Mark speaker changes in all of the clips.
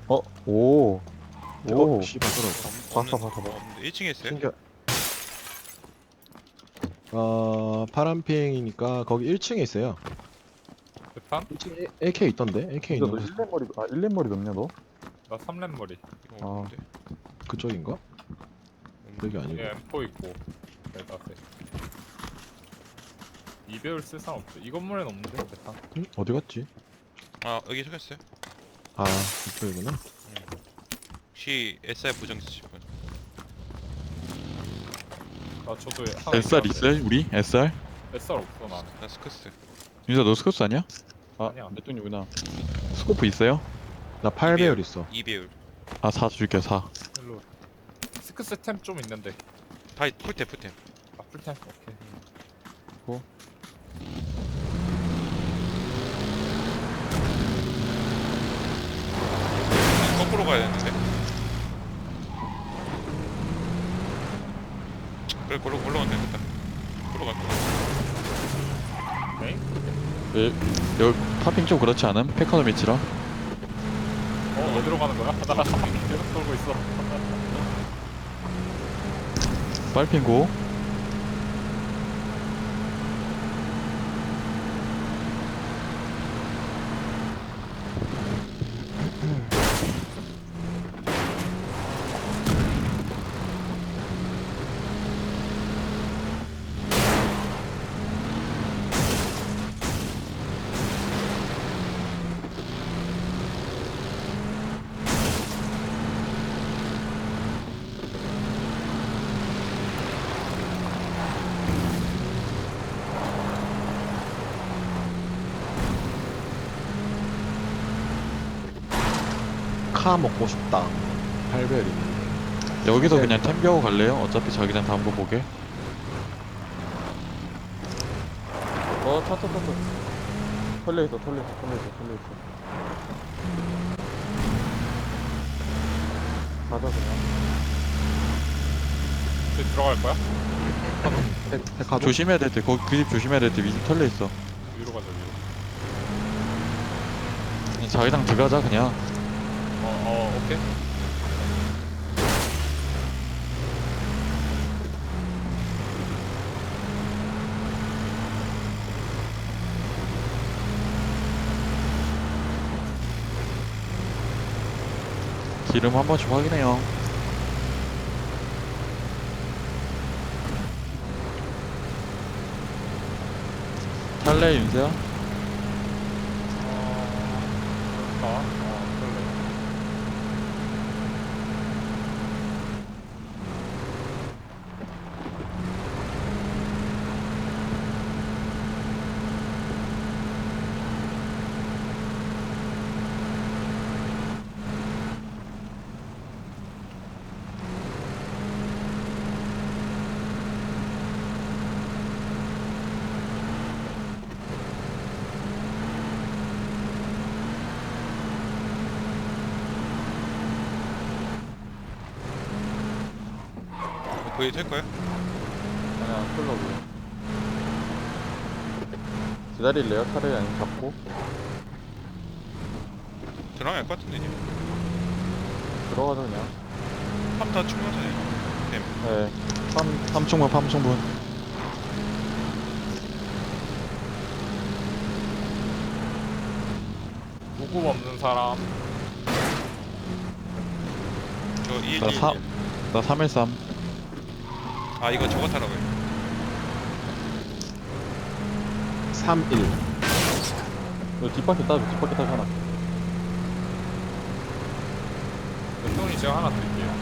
Speaker 1: 어? 오. 오.
Speaker 2: 씨발 그럼
Speaker 1: 봤어, 봤어, 봤어.
Speaker 3: 없는데 1층에 있어요?
Speaker 1: 신기하.
Speaker 2: 파란핑이니까 거기 1층에 있어요.
Speaker 4: 대탄?
Speaker 2: 1층에 AK 있던데? AK
Speaker 1: 진짜
Speaker 2: 있는
Speaker 1: 너
Speaker 2: 곳
Speaker 1: 1렙 머리, 1렙 머리 넘냐, 너?
Speaker 4: 나 3렙 머리.
Speaker 3: 이거
Speaker 1: 아.
Speaker 3: 없는데?
Speaker 2: 그쪽인가? 여기 아니고.
Speaker 4: 얘 M4 있고. 대다세. 2배율 쓸 사람 없어. 이 건물엔 없는데 대탄.
Speaker 2: 응? 어디 갔지?
Speaker 3: 아 여기 적혔어요.
Speaker 2: 아 이쪽이구나.
Speaker 3: 혹시 SR 보정 있으신 분?
Speaker 4: 나 저도 하나
Speaker 5: SR
Speaker 4: 있는데.
Speaker 5: 있어요? 우리? SR?
Speaker 4: SR 없어 나는.
Speaker 3: 나 스커스.
Speaker 5: 윤서 너 스커스 아니야? 아
Speaker 4: 아니야.
Speaker 5: 메뚜기구나. 스코프 있어요?
Speaker 2: 나 8배율 있어.
Speaker 3: 2배율.
Speaker 5: 아 4 줄게요 4.
Speaker 4: 일로. 스크스 템 좀 있는데.
Speaker 3: 다 풀템 풀템.
Speaker 4: 아 풀템. 오케이.
Speaker 3: 거꾸로 가야 되는데. 그래 걸로 올라가면 되겠다. 걸로 갈 거야.
Speaker 4: 네?
Speaker 5: 여기 파핑 좀 그렇지 않음? 페커노 미치라.
Speaker 4: 어디로 가는 거야? 나 계속 돌고 있어.
Speaker 5: 빨핑고.
Speaker 2: 카 먹고 싶다. 8배율 있는데.
Speaker 5: 여기서
Speaker 2: 네.
Speaker 5: 그냥 템비하고 갈래요? 어차피 자기장 다음 거 보게.
Speaker 1: 차. 털려있어, 털려있어. 가자, 그냥.
Speaker 4: 저기 들어갈 거야?
Speaker 2: 백화도?
Speaker 5: 조심해야 될 때 거기 그 집 조심해야 될 때 위집 털려 있어.
Speaker 4: 위로 가자 위로.
Speaker 5: 그냥 자기장 들어가자 그냥.
Speaker 4: 오케이.
Speaker 5: 기름 한 번씩 확인해요. 탈래 윤서야?
Speaker 4: 그럴래.
Speaker 3: 거기 될 거야?
Speaker 1: 그냥 털려고. 기다릴래요? 차라리 아니면 잡고?
Speaker 3: 들어가야 할 것 같은데 이제.
Speaker 1: 들어가자, 그냥.
Speaker 3: 탑다 충분하잖아요. 템.
Speaker 1: 네.
Speaker 5: 3충분 3충분.
Speaker 4: 무급 없는 사람.
Speaker 3: 저 2 1
Speaker 5: 나
Speaker 3: 1
Speaker 5: 사- 나 313.
Speaker 3: 아 이거 저거 타라고요.
Speaker 2: 31.
Speaker 1: 너 뒷바퀴 따줘, 뒷바퀴 따줘, 하나.
Speaker 4: 형이 제가 하나 드릴게요.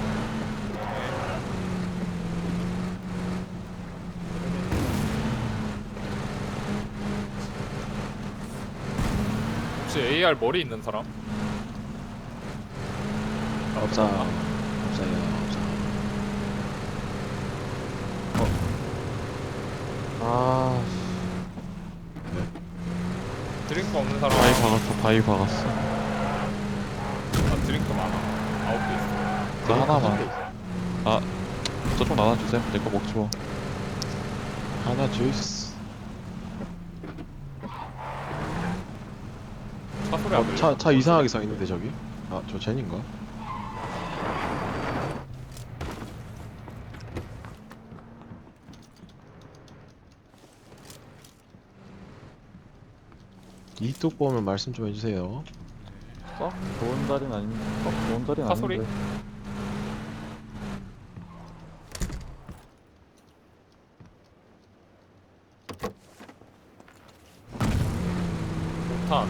Speaker 4: 혹시 AR 머리 있는 사람?
Speaker 2: 없어요. 없어요.
Speaker 1: 아,
Speaker 4: 드링크 없는 사람?
Speaker 5: 바위 박았어 바위 박았어.
Speaker 4: 아 드링크 많아. 9개 있어.
Speaker 5: 나 하나만. 아 저쪽 나눠주세요. 내 거 먹지 뭐.
Speaker 2: 하나 주이스.
Speaker 4: 차 소리 안 들려?
Speaker 2: 차 이상하게 서 있는데 저기. 아, 저 젠인가? 이쪽 보면 말씀 좀 해주세요.
Speaker 1: 썩 좋은 자리는 아닌데. 썩 좋은 자리는
Speaker 4: 차 소리?
Speaker 1: 아닌데.
Speaker 4: 폭탄.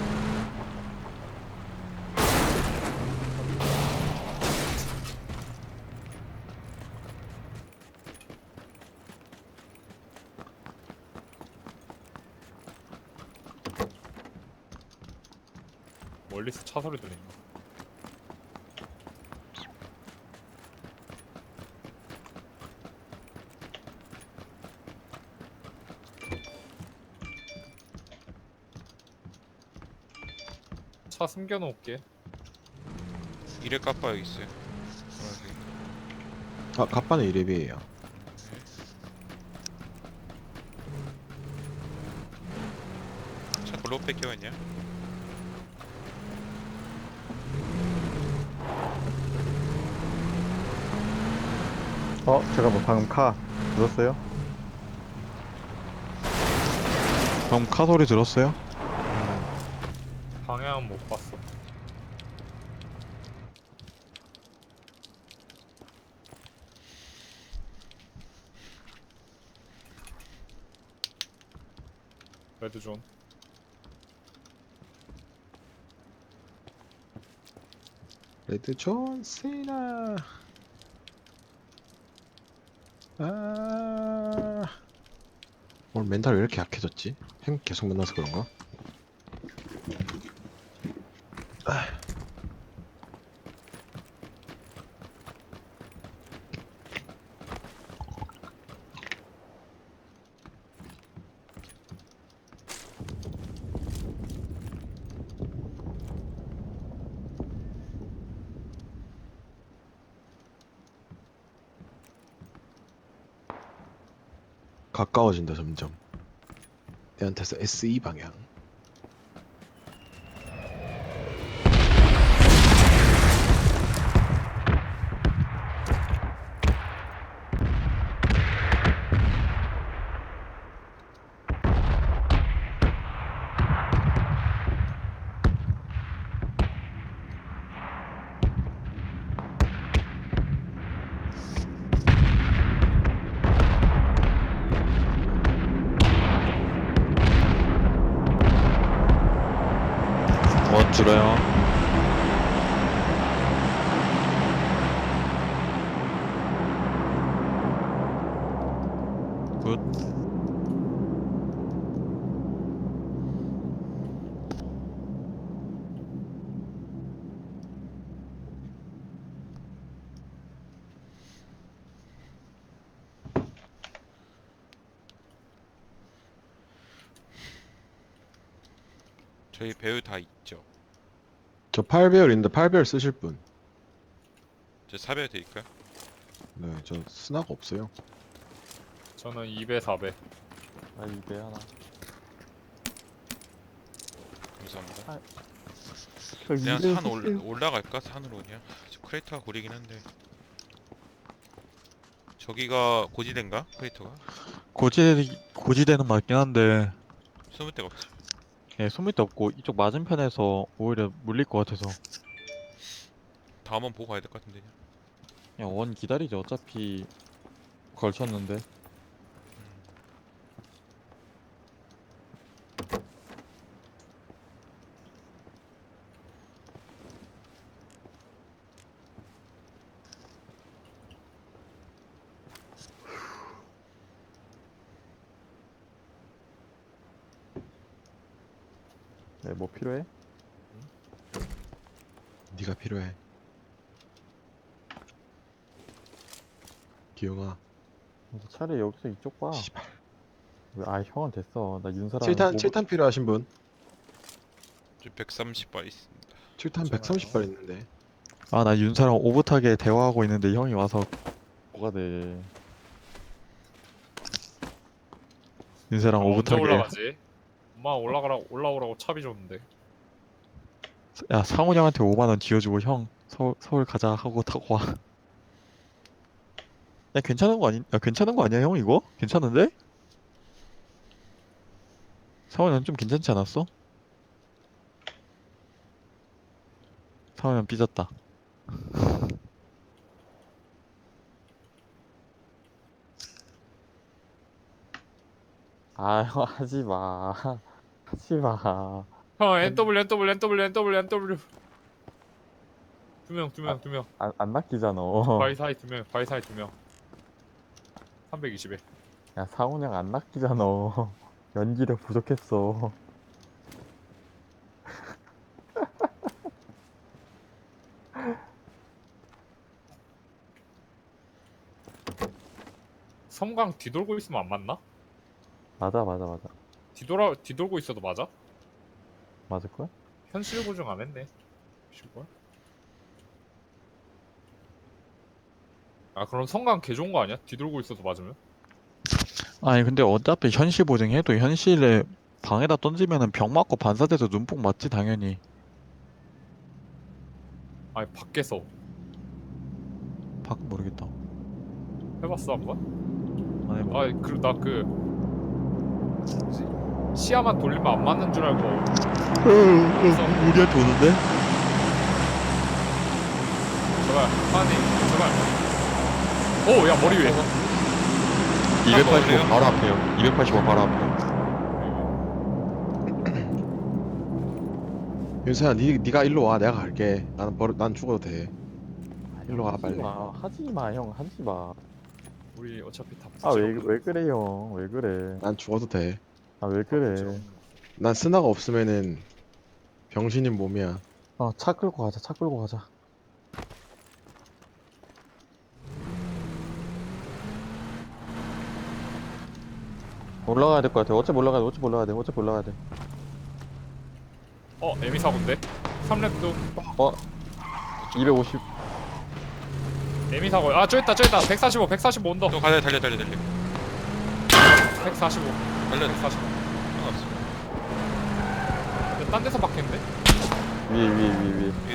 Speaker 4: 멀리서 차 소리 들린다. 차 숨겨놓을게.
Speaker 3: 이래 까빠 여기 있어요. 노란색.
Speaker 2: 아, 갑반의 이랩이에요.
Speaker 3: 차 돌로 뺏겨있냐?
Speaker 1: 제가 뭐 방금 카 들었어요?
Speaker 5: 방금 카 소리 들었어요?
Speaker 4: 방향은 못 봤어. 레드존.
Speaker 2: 레드 존 세나. 아, 오늘 멘탈 왜 이렇게 약해졌지? 햄 계속 만나서 그런가? 가까워진다 점점. 내한테서 SE 방향.
Speaker 5: 원 줄어요. 굿.
Speaker 3: 저희 배우 다 있죠.
Speaker 2: 저 8배열 있는데 8배열 쓰실 분?
Speaker 3: 저 사별 드릴까요?
Speaker 2: 네, 저 스나가 없어요.
Speaker 4: 저는 2배, 4배.
Speaker 1: 아, 이배 하나.
Speaker 3: 감사합니다.
Speaker 1: 아,
Speaker 3: 그냥 산 올라갈까? 산으로 그냥. 저 크레이터가 고리긴 한데. 저기가 고지대인가? 크레이터가?
Speaker 5: 고지대는 맞긴 한데,
Speaker 3: 숨을 데가 없지.
Speaker 5: 예, 소밑도 없고, 이쪽 맞은편에서 오히려 물릴 것 같아서,
Speaker 3: 다음 번 보고 가야 될 것 같은데. 그냥.
Speaker 5: 그냥 원 기다리죠. 어차피 걸쳤는데.
Speaker 1: 네, 뭐 필요해?
Speaker 2: 네가 필요해. 기영아.
Speaker 1: 차라리 여기서 이쪽 봐.
Speaker 2: 씨발.
Speaker 1: 형은 됐어. 나 윤사랑
Speaker 2: 7탄 7탄 필요하신 분?
Speaker 3: 저 130발 있습니다.
Speaker 2: 7탄
Speaker 4: 괜찮아요.
Speaker 2: 130발 있는데.
Speaker 5: 아, 나 윤사랑 오붓하게 대화하고 있는데 형이 와서 뭐가 돼. 윤사랑
Speaker 4: 언제
Speaker 5: 오붓하게
Speaker 4: 올라가지? 엄마 올라오라고 차비 줬는데.
Speaker 5: 야 상훈 형한테 5만 원 지어주고 형 서울 가자 하고 타고 와. 야 괜찮은 거 아니? 야 괜찮은 거 아니야 형 이거? 괜찮은데? 상훈 형 좀 괜찮지 않았어? 상훈 형 삐졌다.
Speaker 1: 아, 형, 하지 마. 하지 마.
Speaker 4: 형 NW. 두 명.
Speaker 1: 안 낚이잖아.
Speaker 4: 바위 사이 두 명. 320에.
Speaker 1: 야, 상훈 형 안 낚이잖아. 연기력 부족했어.
Speaker 4: 섬광 뒤돌고 있으면 안 맞나?
Speaker 1: 맞아.
Speaker 4: 뒤돌고 있어도 맞아?
Speaker 1: 맞을걸?
Speaker 4: 현실 고정 안 했네. 걸? 아 그럼 성광 개 좋은 거 아니야? 뒤돌고 있어도 맞으면?
Speaker 5: 아니 근데 어차피 현실 보정해도 현실에 방에다 던지면은 병 맞고 반사돼서 눈뽕 맞지 당연히.
Speaker 4: 아니 밖에서
Speaker 5: 밖 모르겠다.
Speaker 4: 해봤어 한번?
Speaker 5: 안 해봐.
Speaker 4: 아 그리고 나 시야만 돌리면 안 맞는 줄 알고
Speaker 5: 우리한테 오는데?
Speaker 4: 제발 하나님 제발 오야 머리 위에
Speaker 5: 285 바로 앞에요. 285 바로 앞에.
Speaker 2: 윤서야 니가 일로 와. 내가 갈게. 난 죽어도 돼. 일로 와 빨리.
Speaker 1: 하지 마, 형. 하지 마.
Speaker 4: 우리 어차피 다
Speaker 1: 아, 왜 그래, 형. 왜 그래.
Speaker 2: 난 죽어도 돼.
Speaker 1: 아, 왜 그래.
Speaker 2: 난 스나가 없으면은 병신인 몸이야.
Speaker 1: 차 끌고 가자, 차 끌고 가자. 올라가야 될 것 같아. 어차피 올라가야 돼.
Speaker 4: 에미 사고인데? 3렙도
Speaker 1: 250.
Speaker 4: 에미 사고 아 저기 있다 145 온다
Speaker 3: 또 가자 달려
Speaker 4: 145
Speaker 3: 달려
Speaker 4: 145
Speaker 3: 상관없어.
Speaker 4: 근데 딴 데서 박혔는데?
Speaker 1: 위에.
Speaker 3: 위에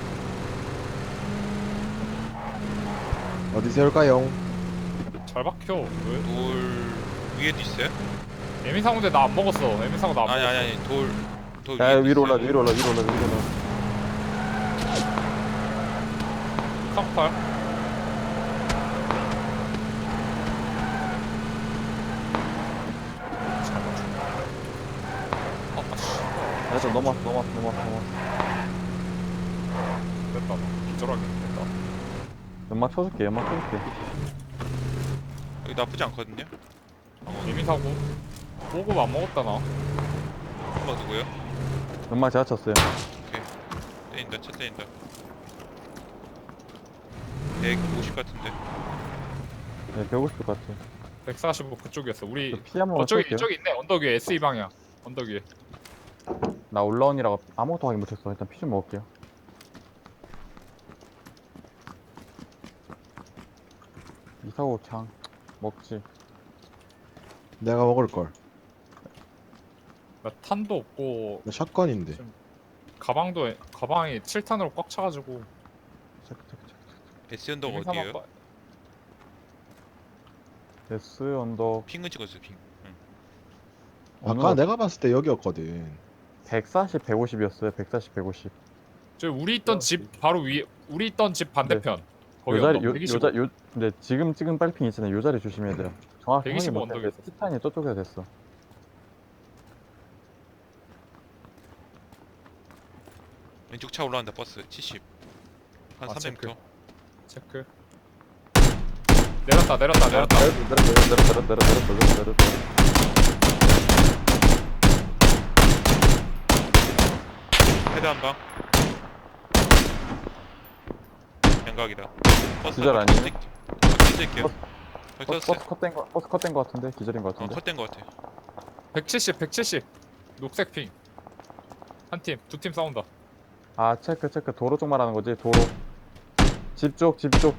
Speaker 2: 어디 세울까요?
Speaker 4: 잘 박혀 왜?
Speaker 3: 돌 위에도 있어요?
Speaker 4: 에미 사고인데 나 안 먹었어 에미 사고 나 안 먹었어
Speaker 3: 아니 돌
Speaker 1: 야,
Speaker 3: 위에도
Speaker 1: 위로 올라.
Speaker 3: 있어요.
Speaker 4: 쌍팔
Speaker 1: 됐어, 넘어왔어.
Speaker 4: 됐다 기절하게 됐다
Speaker 1: 연막 쳐줄게.
Speaker 3: 여기 나쁘지 않거든요.
Speaker 4: 에미 사고 보급 안 먹었다 나
Speaker 3: 한번 누구요?
Speaker 1: 연막 제가 쳤어요.
Speaker 3: 때린다 차 때린다. 150 같은데.
Speaker 1: 네, 150것 같아.
Speaker 4: 145 그쪽이었어 우리
Speaker 1: 피 한 번만
Speaker 4: 저기
Speaker 1: 쏠게요.
Speaker 4: 저기 있네 언덕 위에 SE 방향 언덕 위에
Speaker 1: 나 올라온이라고 아무것도 확인 못했어. 일단 피 좀 먹을게요. 이사고 창 먹지.
Speaker 2: 내가 먹을 걸.
Speaker 4: 나 탄도 없고
Speaker 2: 나 샷건인데.
Speaker 4: 가방이 7탄으로 꽉 차가지고
Speaker 1: 체크.
Speaker 3: S 언덕
Speaker 4: 에미
Speaker 3: 어디에요?
Speaker 4: 사막
Speaker 1: S 언덕
Speaker 3: 핑은 찍었어요 핑.
Speaker 2: 아까 내가 봤을 때 여기였거든.
Speaker 1: 140, 150이었어요. 140, 150.
Speaker 4: 저 우리 있던 집 바로 위에 우리 있던 집 반대편 거기
Speaker 1: 요 자리
Speaker 4: 언덕 125
Speaker 1: 근데 지금 찍은 빨핑 있잖아요. 요 자리 조심해야 돼요. 정확히
Speaker 4: 125
Speaker 1: 확인 못했는데
Speaker 4: 언덕이었어.
Speaker 1: 티탄이 저쪽에 됐어.
Speaker 3: 왼쪽 차 올라간다 버스 70. 한
Speaker 4: 아,
Speaker 3: 300m.
Speaker 4: 체크 내렸다
Speaker 1: 내렸다.
Speaker 3: 헤드 한 방. 양각이다. 버스
Speaker 1: 기절 아니에요?
Speaker 3: 뛸게요. 거기
Speaker 1: 버스
Speaker 3: 떴어요.
Speaker 1: 컷된 거 같은데 기절인 거 같은데.
Speaker 3: 컷된 거 같아.
Speaker 4: 170 녹색 핑 한 팀 두 팀 싸운다
Speaker 1: 아 체크 도로 쪽 말하는 거지. 도로. 집 쪽.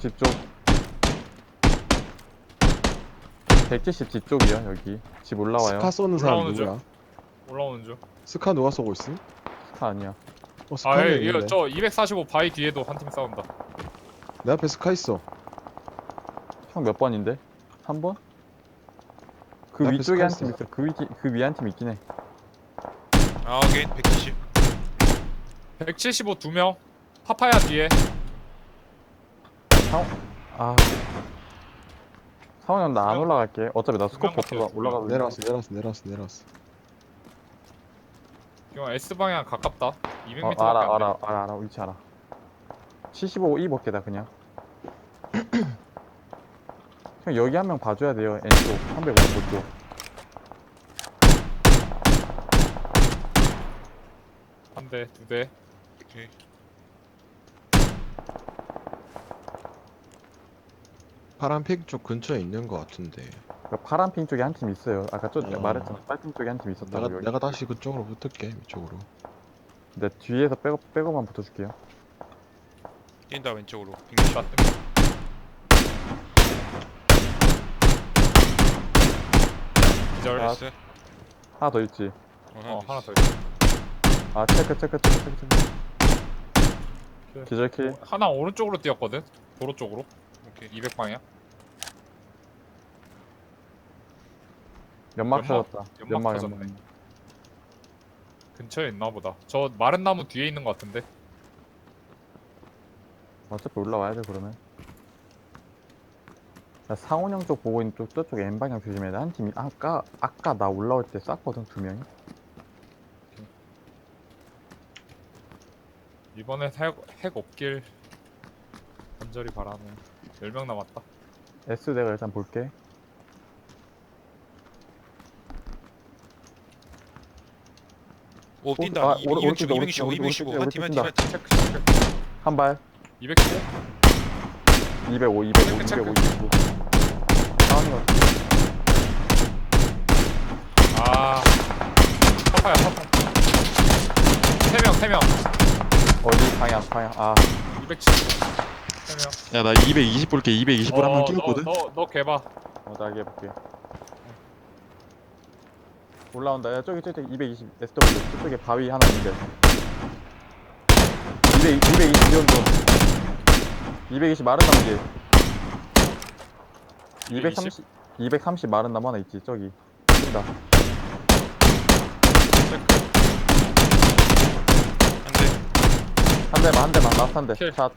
Speaker 1: 170 집 쪽이야 여기. 집 올라와요.
Speaker 2: 스카 쏘는 사람
Speaker 4: 올라오는
Speaker 2: 누구야?
Speaker 4: 올라오는 중
Speaker 2: 스카 누가 쏘고 있음?
Speaker 1: 스카 아니야.
Speaker 2: 어 스카이
Speaker 4: 아
Speaker 2: 있는데.
Speaker 4: 이거 저 245 바위 뒤에도 한 팀 싸운다.
Speaker 2: 내 앞에 스카 있어.
Speaker 1: 형 몇 번인데? 3번? 그
Speaker 2: 내 앞에
Speaker 1: 위쪽에 한
Speaker 2: 스카
Speaker 1: 팀 있어. 그 위에 한 팀 있긴 해.
Speaker 3: 아 오케이 170.
Speaker 4: 175 2명. 파파야 뒤에.
Speaker 1: 아. 상훈이 형 나 안 올라갈게. 어차피 나 스코프
Speaker 4: 두명
Speaker 1: 없어서
Speaker 4: 밖에
Speaker 1: 올라가도
Speaker 2: 내려왔어.
Speaker 4: 이거 S 방향 가깝다. 200m밖에
Speaker 1: 알아
Speaker 4: 안 돼.
Speaker 1: 알아 위치 알아. 75 E 벗게다 그냥. 형 여기 한 명 봐줘야 돼요. N쪽 355쪽.
Speaker 4: 한 대, 두 대.
Speaker 3: 오케이.
Speaker 2: 파란 핑 쪽 근처에 있는 거 같은데.
Speaker 1: 그 파란 핑 쪽에 한 팀 있어요. 아까 저
Speaker 2: 어.
Speaker 1: 말했잖아. 빨핑 쪽에 한 팀 있었다고. 여기.
Speaker 2: 내가 다시 그쪽으로 붙을게 이쪽으로.
Speaker 1: 근데 뒤에서 백업만 붙어줄게요.
Speaker 3: 뛴다 왼쪽으로. 160.
Speaker 4: 나 뜬다. 기절.
Speaker 1: 아,
Speaker 3: 나이스.
Speaker 1: 하나 더 있지.
Speaker 4: 하나 더 있어.
Speaker 1: 아 체크. 기절킬.
Speaker 4: 하나 오른쪽으로 뛰었거든. 도로 쪽으로.
Speaker 3: 오케이.
Speaker 4: 200 방향.
Speaker 1: 연막
Speaker 4: 연막?
Speaker 1: 터졌다.
Speaker 4: 연막 터졌네. 근처에 있나 보다. 저 마른 나무 뒤에 있는 것 같은데.
Speaker 1: 어차피 올라와야 돼 그러면. 나 상훈 형 쪽 보고 있는 쪽 저쪽에 N 방향 조심해야 돼. 한 팀이 아까 나 올라올 때 쐈거든 2명이.
Speaker 4: 이번에 핵 없길 간절히 바라네. 10명 남았다.
Speaker 1: S 내가 일단 볼게.
Speaker 3: 오 뛴다.
Speaker 1: 아,
Speaker 3: 265
Speaker 1: 오른쪽이다,
Speaker 3: 265 한 팀 한 팀 한 팀.
Speaker 4: 체크 체크.
Speaker 1: 한 발.
Speaker 4: 215?
Speaker 1: 205.
Speaker 4: 체크.
Speaker 1: 상훈이가
Speaker 4: 아. 파파야 파파. 3명.
Speaker 1: 어디 방향. 아
Speaker 4: 270. 3명.
Speaker 5: 야 나 220 볼게. 220을 한 명 끼웠거든.
Speaker 4: 너 개봐.
Speaker 1: 나 여기 해볼게. 올라온다. 야 저기 220 SW 저쪽에 바위 하나 있는데. 220 정도. 220 마른 나무 뒤에. 230 마른 나무 하나 있지 저기. 뛴다.
Speaker 3: 한 대.
Speaker 1: 한 대만 라스트 한 대.
Speaker 4: 킬.
Speaker 1: 샷.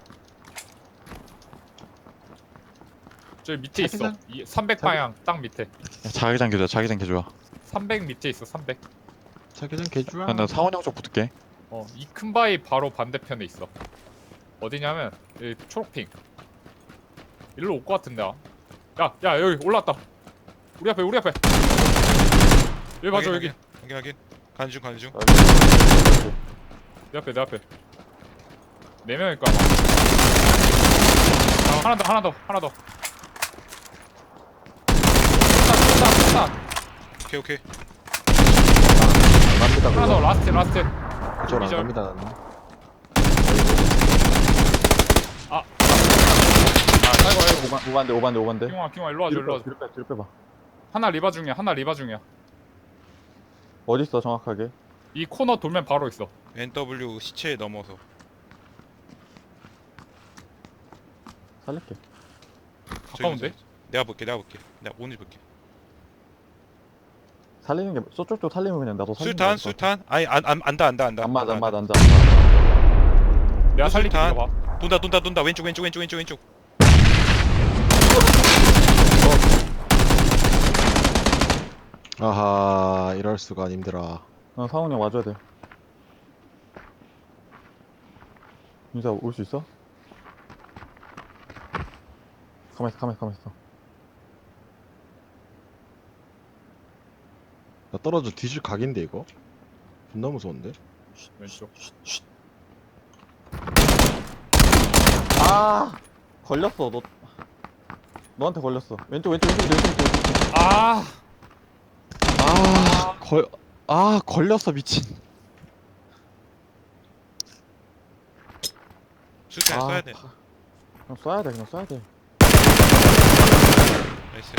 Speaker 4: 저기 밑에 있어. 300 방향 딱 밑에.
Speaker 5: 야, 자기장 개좋아.
Speaker 4: 300 밑에 있어. 300.
Speaker 2: 자기장 개주야.
Speaker 5: 야, 나 상원 형쪽 붙을게.
Speaker 4: 이 큰 바위 바로 반대편에 있어. 어디냐면 여기 초록핑. 일로 올 것 같은데. 야 여기 올라왔다. 우리 앞에. 여기 맞아 여기.
Speaker 3: 확인. 간중.
Speaker 4: 내 앞에. 4명일 거야. 하나 더. 쏜다.
Speaker 3: 오케이.
Speaker 2: 갑니다.
Speaker 4: 하나 더 라스트.
Speaker 2: 그쪽으로 안
Speaker 4: 기절.
Speaker 2: 갑니다 나는.
Speaker 4: 아이고.
Speaker 1: 오반데.
Speaker 4: 기용아 일로 와줘.
Speaker 1: 뒤로 빼봐.
Speaker 4: 하나 리바 중이야.
Speaker 1: 어딨어 정확하게?
Speaker 4: 이 코너 돌면 바로 있어.
Speaker 3: NW 시체에 넘어서.
Speaker 1: 살릴게.
Speaker 4: 가까운데?
Speaker 3: 내가 볼게. 내가 오늘 볼게.
Speaker 1: 살리는 게 저쪽도 살리면 그냥 나도 살리는 게
Speaker 3: 수탄. 아니 안다.
Speaker 1: 안 맞아.
Speaker 4: 내가 살릴게.
Speaker 3: 수류탄.
Speaker 4: 이거 봐.
Speaker 3: 돈다. 왼쪽.
Speaker 2: 아하 이럴 수가 님들아.
Speaker 1: 상훈이 형 와줘야 돼. 윤사 올 수 있어? 가만있어.
Speaker 2: 나 떨어져 뒤질 각인데 이거. 존나 무서운데.
Speaker 4: 왼쪽.
Speaker 1: 아 걸렸어. 너한테 걸렸어. 왼쪽.
Speaker 4: 아.
Speaker 5: 걸렸어 미친.
Speaker 3: 수탄 쏴야 돼.
Speaker 1: 그냥 쏴야 돼.
Speaker 3: 나이스.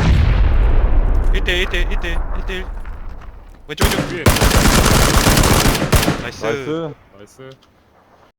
Speaker 3: 1대1 왼쪽
Speaker 4: 위에.
Speaker 3: 나이스.
Speaker 1: 나이스.
Speaker 4: 나이스.